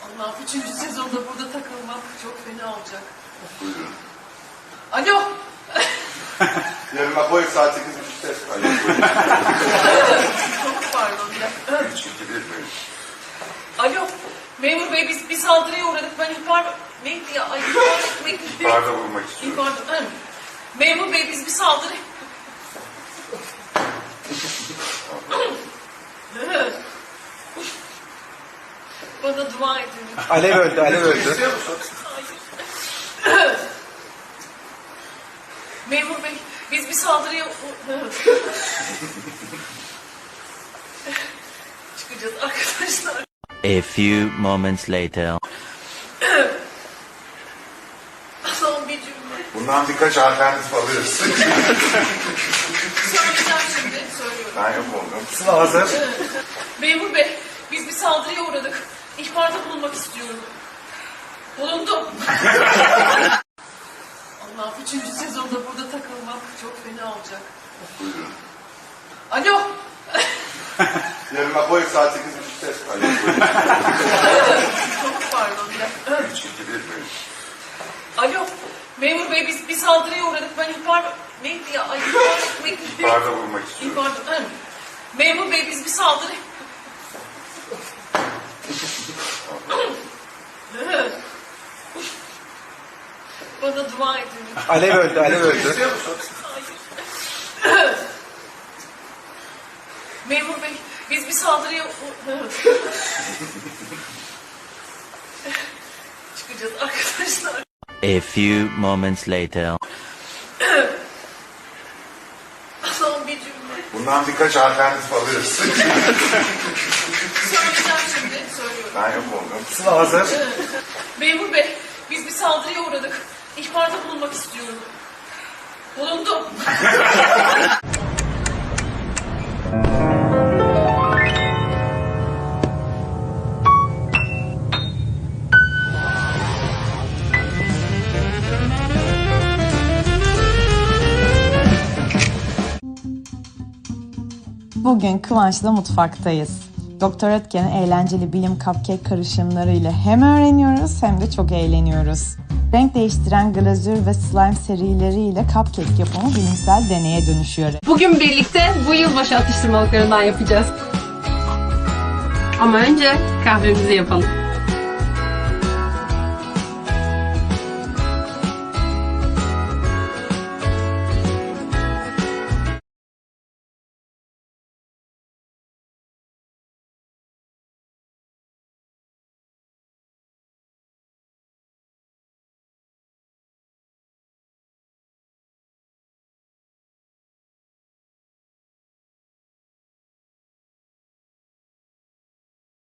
Allah, 3. sezonda burada takılmak çok fena olacak. Buyurun. Alo. Yarın Apo'ya saat 8.30'da. Çok pardon. 3, 2, 1, buyurun. Alo. Memur bey, biz bir saldırıya uğradık. Ben ihbar... Neydi ya? Ay, ihbar etmek... İhbarda bulunmak istiyorum. İhbar... Memur bey, biz bir saldırı... Bana dua edin. Alev öldü, alev öldü. İstiyor musun? Hayır. Memur bey, biz bir saldırıya... Çıkacağız arkadaşlar. A few moments later. Son bir cümle. Bundan birkaç alternatif alıyoruz. Söyleyeceğim şimdi, söylüyorum. Ben yok oldum. Sıla hazır. Memur bey, biz bir saldırıya uğradık. İhbarda bulunmak istiyorum. Bulundum. Allah, 3. sezonda burada takılmak çok fena olacak. Buyurun. Alo. Yarın Apo'ya saat 8.30'da. Çok pardon. 3, 2, 1, buyurun. Alo. Memur bey, biz bir saldırıya uğradık. Ben ihbar... Neydi ya? Ay, ihbar etmek... İhbarda bulunmak istiyorum. İhbar... Memur bey, biz bir saldırı... Bana dua edin. Alev öldü, alev öldü. İstiyor musun? Hayır. Memur bey, biz bir saldırıya... Çıkacağız arkadaşlar. A few moments later. Son bir cümle. Bundan birkaç alternatif alıyoruz. Söyleyeceğim şimdi, söylüyorum. Ben yok oldum. Sıla hazır. Memur bey, biz bir saldırıya uğradık. İhbarda bulunmak istiyorum. Bulundum. Bugün Kıvanç'la mutfaktayız. Doktor Ötken'in eğlenceli bilim cupcake karışımlarıyla hem öğreniyoruz hem de çok eğleniyoruz. Renk değiştiren glazür ve slime serileriyle cupcake yapımı bilimsel deneye dönüşüyor. Bugün birlikte bu yılbaşı atıştırmalıklarından yapacağız. Ama önce kahvemizi yapalım.